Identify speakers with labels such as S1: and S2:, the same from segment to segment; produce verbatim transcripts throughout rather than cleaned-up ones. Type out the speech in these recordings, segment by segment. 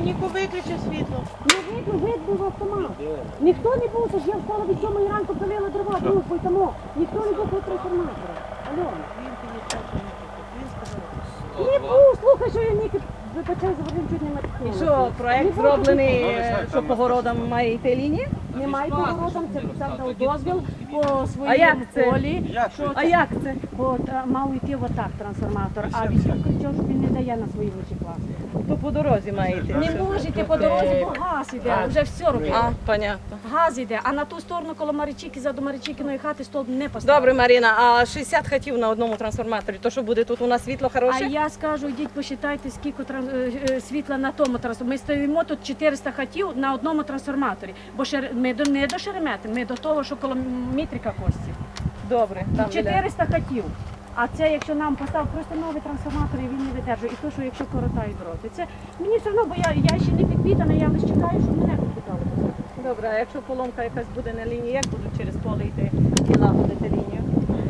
S1: Ніко виключив світло.
S2: Не видно, видно в автомат. Ніхто не був, тож я встала від сьомої ранку, пилила дрова, групою тому. Ніхто не був по трансформатору. Альона.
S1: Він тобі сказав, що він сказав.
S2: Не був, слухай, що я Ніки вибачаю, за водим чуть не матькнула.
S3: І що, проект зроблений, що по городам має йти лінія?
S2: Немає поворотом, це Олександр дав дозвіл по
S3: А як
S2: своєму
S3: це?
S2: полі. Що
S3: А як це?
S2: От, а, мав йти отак трансформатор, а військов кричав, що він не дає на свої вищі класи.
S3: То по дорозі має йти.
S2: Не може йти по дорозі, бо газ іде, вже все робить.
S3: А, понятно.
S2: Газ іде, а на ту сторону коло Маричіки, за до Маричікиної хати стовп не поставив.
S3: Добре, Маріна, а шістдесят хатів на одному трансформаторі, то що буде тут у нас світло
S2: А
S3: хороше?
S2: я скажу, йдіть посчитайте, скільки тран- е, е, світла на тому трансформаторі. Ми стоїмо тут чотириста хатів на одному трансформаторі, бо шер... ми до, не до Шеремети, ми до того, що коло Мітрика Кості.
S3: Добре, там біля.
S2: чотириста хатів. А це, якщо нам поставив просто новий трансформатор, і він не видержує. І то, що якщо коротають дроти. Це мені все одно, бо я, я ще не підпитана, я лише чекаю, щоб мене підпитали.
S3: Добре, а якщо поломка якась буде на лінії, як будуть через поле йти і лагодити лінію?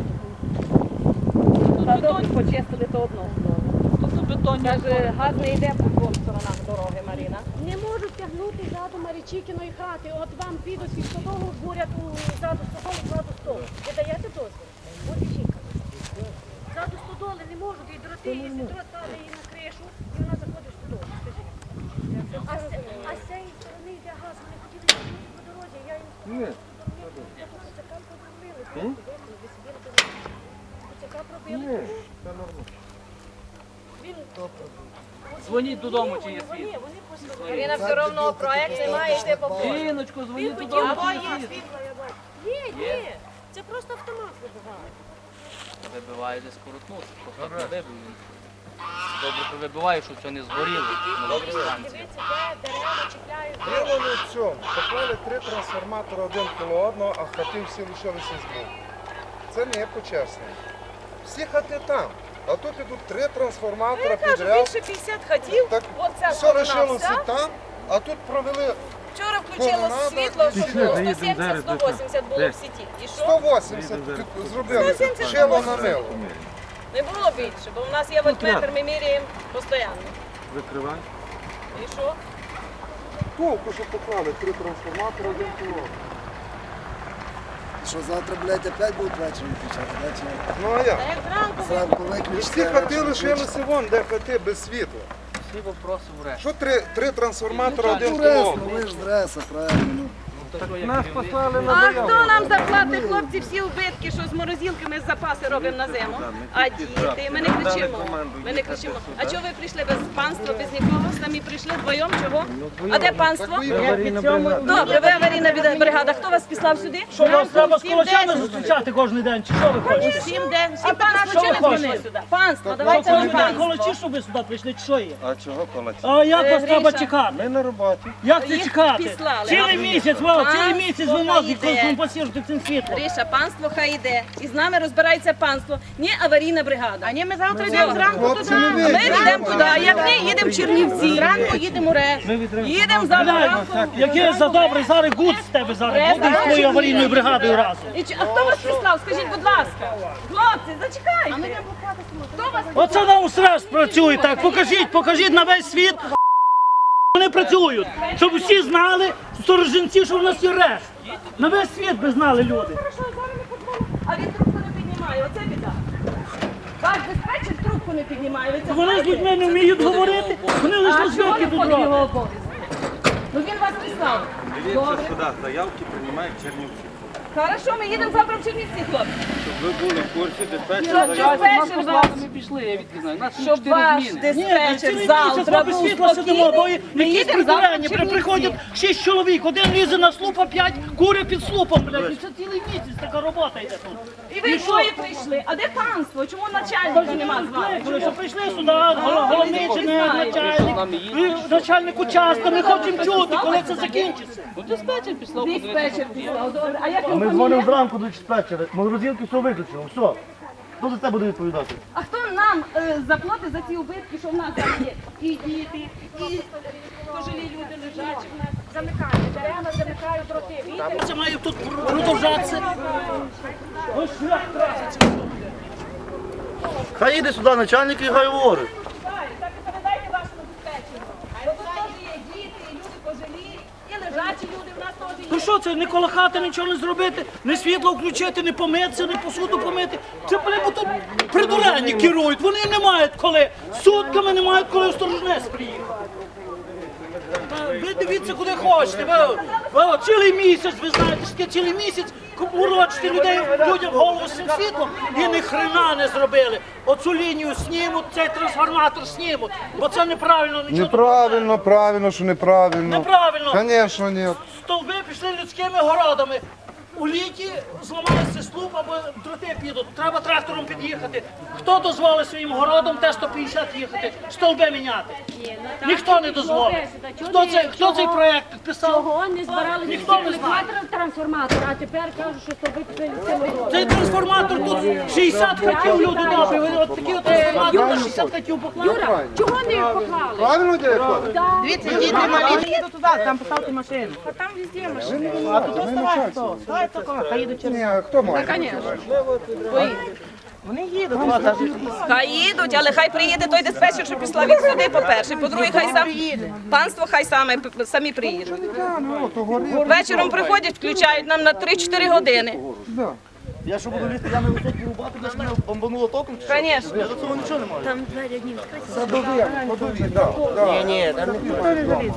S3: Та добре, почистили то одну сторону.
S1: Тут бетон.
S3: Каже, газ не йде по двох сторонах дороги, Маріна.
S2: Не можуть тягнути ззаду Маричікіної хати. От вам підуть від стодолу, бурять у ззаду стодолу, ззаду столу. Ви даєте дозвіл? От жінка. Ззаду стодоли не можуть, і дроти, якщо дрот падає їй на кришу, і вона заходить в стодолу. Скажіть. А з, а з цієї сторони йде газ, вони хотіли їхати по дорозі, я їм сказала, що я тут оцяка пробили. Ви собі робили. Оцяка пробили. Він...
S1: Дзвоніть додому, чи є
S2: Вони,
S1: світло.
S2: вони послухали.
S3: Маріна, все одно проект не має йти по полю.
S1: Жіночко,
S2: Він
S1: дзвоніть
S2: хотів,
S1: додому,
S2: бо
S1: чи
S2: є
S1: є світло.
S2: світло, я бачу. Є, є. Це просто автомат вибиває.
S4: Вибиває десь коротнути, просто не вибив. Добре вибиває, щоб це не згоріло на станції.
S2: Дивіться, де дерева чіпляють.
S5: Діло не в цьому. Поклали три трансформатори один коло одного, а хати всі лишилися з боку. Це не є почесно. Всі хати там. А тут ідуть три трансформатори
S3: Я кажу,
S5: підряд.
S3: більше п'ятдесят хатів,
S5: Так
S3: оця
S5: все
S3: сторона
S5: лишилося
S3: вся.
S5: там, а тут провели
S3: Вчора включило
S5: Колонада
S3: світло,
S5: і
S3: що
S5: світло.
S3: сто сімдесят - сто вісімдесят було в сіті. І
S5: сто
S3: що?
S5: вісімдесят під- зробили.
S3: сто сімдесят
S5: Шило на мило.
S3: Не було більше, бо в нас є вольтметр, ми міряємо постійно.
S6: Викривай.
S3: І що?
S5: Толку, що поклали три трансформатори один коло одного.
S7: Що завтра, блядь, опять будуть ввечері включати, да? Чи
S5: Ну а як?
S7: зранку
S5: І
S7: виключити?
S5: всі хати лишилися вон, де хати без світла.
S4: Всі вопроси в решті.
S5: Що три, три трансформатори один
S7: Ну,
S5: коло
S7: рес,
S5: одного?
S7: ну ви ж з дреса, правильно. ну.
S5: Нас послали
S3: А хто нам заплатить, хлопці, всі убитки, що з морозилки ми запаси робимо на зиму? А діти, ми не кричимо. Ми не кричимо. А чого ви прийшли без панства, без нікого? Самі прийшли вдвоєм, чого? А де панство? Добре, ви аварійна бригада. Хто вас післав сюди?
S8: Що вас треба з
S3: Всім
S8: кулачами
S3: день.
S8: зустрічати кожен день? Чи що ви хочете?
S3: Всім день. Всім панство чи не
S8: хочете?
S3: прийшли сюди? Панство,
S8: Що
S3: давайте
S8: коли
S3: на
S8: ви
S3: панство.
S8: колочі, щоб ви сюди прийшли, чи що є?
S5: А чого колоті?
S8: А як
S3: Е,
S8: вас треба
S3: Гріша.
S8: чекати?
S5: Ми на роботі.
S8: Як це
S3: Їх
S8: чекати?
S3: післали.
S8: Цілий місяць, Вова, цілий
S3: Панство
S8: місяць ви нас
S3: йде.
S8: компенсуєте цим світлом.
S3: Гриша, панство хай йде. І з нами розбирається панство. Не аварійна бригада.
S1: А ні, ми завтра йдемо зранку
S5: Хлопці,
S1: туди.
S5: не
S3: А ми
S5: вийдемо.
S3: йдемо туди, а як не, їдемо в Чернівці, зранку їдемо в Рес. Їдемо завтра ранку.
S8: Яке за добре, зараз гуд з тебе зараз буде з твоєю аварійною бригадою разом.
S3: І чи- А хто вас прислав? Скажіть, будь ласка. Хлопці, зачекайте. Хто вас
S8: Оце нам стрес працює так. Покажіть, покажіть на весь світ. Вони працюють, щоб всі знали, сторожинці, що в нас є решт. На весь світ би знали люди.
S3: А він трубку не піднімає, оце біда. Ваш диспетчер трубку не піднімає. Ви це
S8: Вони з
S3: знаєте?
S8: людьми не вміють говорити, вони лише
S3: А чого
S8: звідки
S3: не
S8: тут
S3: входить в його
S8: роблять.
S3: обов'язок? Ну він вас прислав. Добре.
S6: Сюди заявки приймають Чернівці.
S3: Хорошо, ми їдемо завтра в Чернівці, хлопці.
S6: Щоб ви були в курсі, диспетчер
S3: Щоб диспетчер вас,
S1: Ми пішли, я відки знаю. Нас
S3: щоб ваш
S8: Ні,
S3: диспетчер
S8: цілий
S3: завтра
S8: місяць без
S3: був
S8: світла сидимо, бо
S3: спокійний. Ми
S8: якісь
S3: їдемо завтра в
S8: прибирання,
S3: Чернівці.
S8: приходять шість чоловік, один лізе на слуп, а п'ять кури під слупом, блядь. І це цілий місяць така робота йде тут.
S3: І ви двоє прийшли. А де панство? Чому начальника нема з вами?
S8: Коли що прийшли сюди, гол- головний чи не начальник, ви начальник участка, ми хочемо чути, коли це закінчиться.
S1: Ну, диспетчер післав.
S3: Диспетчер післав, добре. А як
S9: Ми
S3: його
S9: дзвонимо
S3: фамілія?
S9: зранку до диспетчера, морозилки все виключено, все. Хто за це буде відповідати?
S3: А хто нам е, заплатить за ці убитки, що в нас там є? І діти, і пожилі люди лежачі в нас.
S2: Замикають, дерева замикають дроти. Вітер.
S8: Це має тут продовжатися. Ось шлях траси.
S9: Хай їде сюди начальник і хай говорить.
S3: Так, так і передайте вашому диспетчеру. Бо тут теж є діти, і люди пожилі, і лежачі люди в нас теж є.
S8: Ну що це, не коло хати нічого не зробити, не світло включити, не помитися, не посуду помити. Це, блин, бо тут придурені керують, вони не мають коли, сутками не мають коли в Сторожинець приїхати. Та ви дивіться, куди хочете. Ви, ви, цілий місяць, ви знаєте, що таке цілий місяць урочити людей, людям голову з цим світлом і ні хрена не зробили. Оцю лінію снімуть, цей трансформатор снімуть, бо це неправильно. Нічого
S5: Неправильно, правильно, що неправильно.
S8: Неправильно.
S5: Звісно, ні.
S8: Стовби пішли людськими городами. У літі зламалися слуп або дроти підуть. Треба трактором під'їхати. Хто дозволить своїм городом Т сто п'ятдесят їхати, стовби міняти? Ніхто не дозволить. Хто цей, хто цей проєкт підписав?
S2: Чого не збирали
S8: Ніхто не знає.
S2: трансформатор, а тепер кажуть, що стовби пішли цими городами.
S8: Цей трансформатор тут шістдесят хатів люди добрі. От такі от трансформатор на шістдесят хатів поклали.
S2: Юра, чого не поклали?
S5: Правильно, дядько?
S3: Дивіться, діти малі, їдуть туди, там поставте машину. А там везде машини. А тут оставай хто? Ставай такого, хай їдуть через.
S5: Ні, хто має?
S3: Вони їдуть. Хай їдуть, але хай приїде той диспетчер, що пішла він сюди, по-перше. По-друге, хай сам панство хай саме, самі приїдуть. Вечором приходять, включають нам на три-чотири години.
S9: Я що буду лізти, я не високі рубати, де ж мене бомбануло током? чи що?
S3: Звісно.
S9: Я до цього нічого не маю.
S5: Ні, ні, там не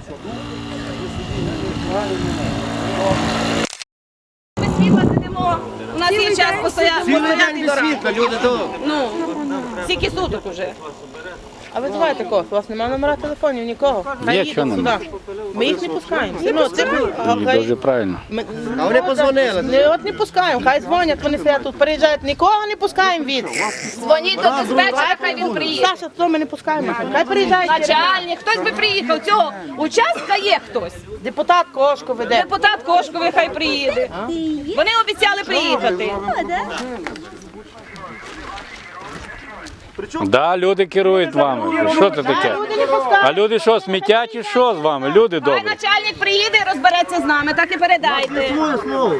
S3: Ми світла сидимо, у нас є час постояти до ранку.
S6: люди тут.
S3: Ну, стільки суток уже.
S10: А ви давайте кого? У вас немає номера телефонів, нікого? Хай їдуть сюди. Ми їх не пускаємо. Все одно, це
S6: Дуже правильно.
S10: Ми-
S6: А вони позвонили.
S10: Не, от не пускаємо, хай дзвонять, вони сидять тут, переїжджають, нікого не пускаємо від.
S3: Дзвоніть до диспетчера, хай він приїде.
S10: Саша, то ми не пускаємо, хай переїжджають.
S3: Начальник, хтось би приїхав, цього участка є хтось.
S10: Депутат Кошко веде.
S3: Депутат Кошковий хай приїде. Вони обіцяли приїхати.
S11: Да, люди керують вами. Що це таке? А люди що, смітять і що з вами? Люди
S3: Хай
S11: добрі.
S3: начальник приїде і розбереться з нами, так і передайте.
S9: Своє слово.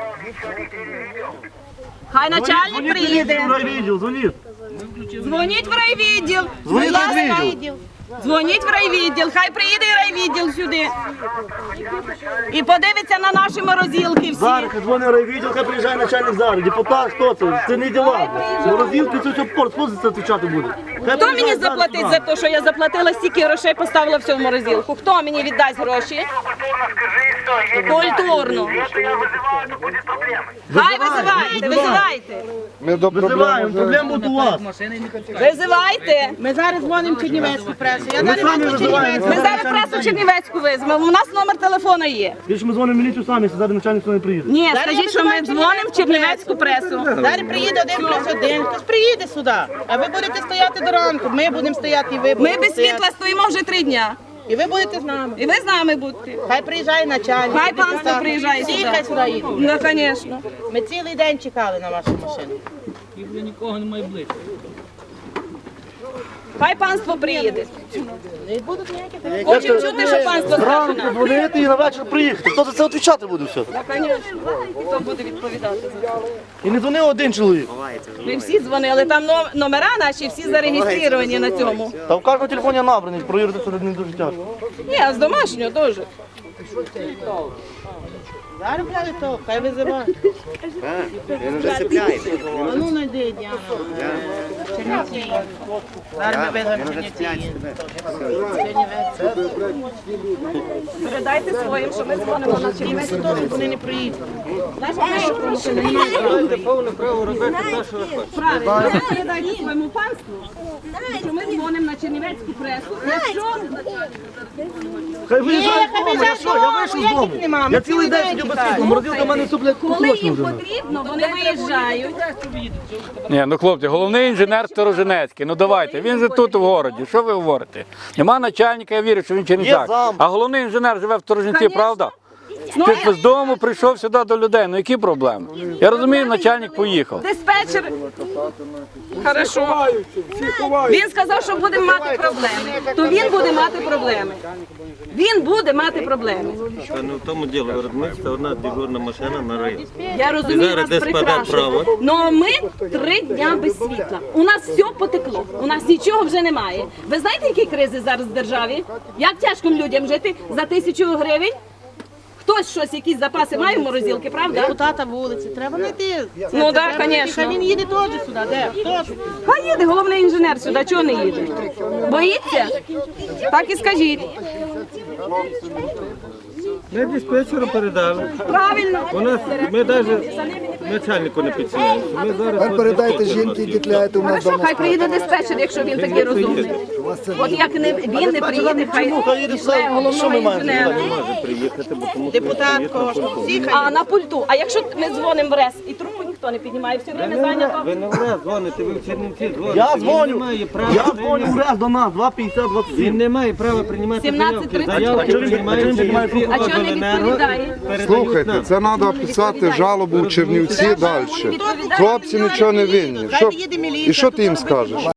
S3: Хай начальник приїде.
S9: Райвідділ, дзвоніть.
S3: Дзвоніть в райвідділ.
S9: Дзвоніть в
S3: Будь ласка,
S9: райвідділ.
S3: Дзвоніть в райвідділ, хай приїде і райвідділ сюди. І подивиться на наші морозилки всі.
S9: Зараз, хай дзвонить райвідділ, хай приїжджає начальник зараз. Депутат, хто це? Це не діла. Морозилки, це все порт, хто за це відповідати буде? Хай
S3: Хто мені
S9: приїжджає зараз
S3: заплатить
S9: сюди.
S3: за те, що я заплатила стільки грошей, поставила все в морозилку? Хто мені віддасть гроші? Культурно. Хай визивайте, визивайте.
S5: Ми до
S9: Визиваємо, проблем буде у вас.
S3: Визивайте.
S10: Ми зараз дзвонимо Чернівецьку пресу. Я
S9: Ми
S10: зараз
S9: самі
S10: дзвоню
S9: визиваємо.
S3: Ми зараз пресу Чернівецьку візьмемо. У нас номер телефона є.
S9: Більше ми дзвонимо в міліцію самі, якщо зараз начальник сюди не приїде.
S3: Ні, скажіть, що ми дзвонимо в Чернівецьку пресу.
S10: Зараз приїде один плюс один, хтось приїде сюди. А ви будете стояти до ранку, ми будемо стояти і ви
S3: Ми
S10: будете
S3: без
S10: стояти.
S3: світла стоїмо вже три дня.
S10: І ви будете з нами.
S3: І ви з нами будете.
S10: Хай приїжджає начальник.
S3: Хай панство
S10: депутат.
S3: приїжджає
S10: Всі
S3: сюди.
S10: хай сюди їдуть.
S3: Ну, звісно.
S10: Ми цілий день чекали на вашу машину.
S4: І вже нікого немає близько.
S3: Хай панство приїде.
S10: Не будуть ніяких.
S3: Хочемо чути, що панство скаже
S9: Зранку
S3: нам.
S9: дзвонити і на вечір приїхати. Хто за це відповідати буде все?
S3: Ну, звісно. Хто буде відповідати за це?
S9: І не дзвонив один чоловік.
S3: Ми всі дзвонили, там но- номера наші всі зареєстровані на цьому.
S9: Та в кожному телефоні набраний, провірити це не дуже тяжко.
S3: Ні, а з домашнього теж.
S10: Зараз буде то, хай визиває.
S6: Він вже сипляє.
S10: А ну найди, Діана. Чернівці. Зараз ми визовемо Чернівці.
S3: Передайте своїм, що ми дзвонимо на Чернівецьку.
S10: Чернівці теж вони не приїдуть.
S3: Правильно, передайте своєму панству, що ми дзвонимо на Чернівецьку пресу. Якщо
S9: Хай виїжджає
S10: хай
S9: з дому, я
S10: виїжджає
S9: що, я
S10: з
S9: вийшов з
S10: дому,
S9: дому.
S10: ніяких нема, ми
S9: Я цілий
S10: цілий
S9: день
S10: день
S9: сидів без
S10: чекаємо.
S9: світла, морозилка в мене суплять
S3: коли їм
S9: вже.
S3: потрібно, вони виїжджають.
S11: Ні, ну хлопці, головний інженер Сторожинецький. Ну давайте, він же тут в городі. Що ви говорите? Нема начальника, я вірю, що він чернівчак.
S9: Є зам.
S11: А головний інженер живе в Сторожинці,
S3: Конечно.
S11: правда? Ти з дому прийшов сюди до людей. Ну які проблеми? Я розумію, начальник поїхав.
S3: Диспетчер. Хорошо. Він сказав, що будемо мати проблеми. То він буде мати проблеми. Він буде мати проблеми.
S9: Та не в тому діло, виробництво одна дежурна машина на район.
S3: Я розумію
S9: Зараз
S3: вас
S9: десь паде
S3: прекрасно.
S9: право.
S3: Но ми три дня без світла. У нас все потекло. У нас нічого вже немає. Ви знаєте, які кризи зараз в державі? Як тяжко людям жити за тисячу гривень? Хтось щось, якісь запаси має в морозилки, правда?
S10: Депутата вулиці, треба знайти.
S3: Ну так, звісно.
S10: Хай він їде теж сюди, де? Теж.
S3: Хай їде, головний інженер сюди, чого не їде? Боїться? Так і скажіть.
S9: Ми диспетчеру передали.
S3: Правильно.
S9: У нас, ми навіть начальнику не підсилили. Ми зараз
S7: Тепер передайте жінки, які тляють у нас
S3: Хорошо,
S7: дома.
S3: хай приїде диспетчер, якщо він такий розумний. От як не, він не приїде, хай пішле головного інженера.
S9: може приїхати, бо тому
S10: Депутат кожен. Всі хай.
S3: А на пульту. А якщо ми дзвонимо в РЕС і трубку ніхто не піднімає, все время зайнято.
S9: ви не враз дзвоните, ви в Чернівці дзвоните.
S6: Я
S9: Він
S6: дзвоню.
S9: не має права
S6: Я дзвоню
S9: прийняти-
S6: враз до нас, два п'ятдесят двадцять
S9: Він
S6: сім.
S9: не має права приймати
S3: сімнадцять
S9: заявки.
S3: тридцять.
S9: Заявки
S6: А чого він-
S9: приймають
S6: а чого він
S9: Чернівці
S3: А чого не
S9: обленерго,
S3: відповідає?
S9: передають
S5: Слухайте,
S9: нам.
S5: це треба писати жалобу у Чернівці далі. Хлопці нічого не винні. Що- І що ти їм скажеш?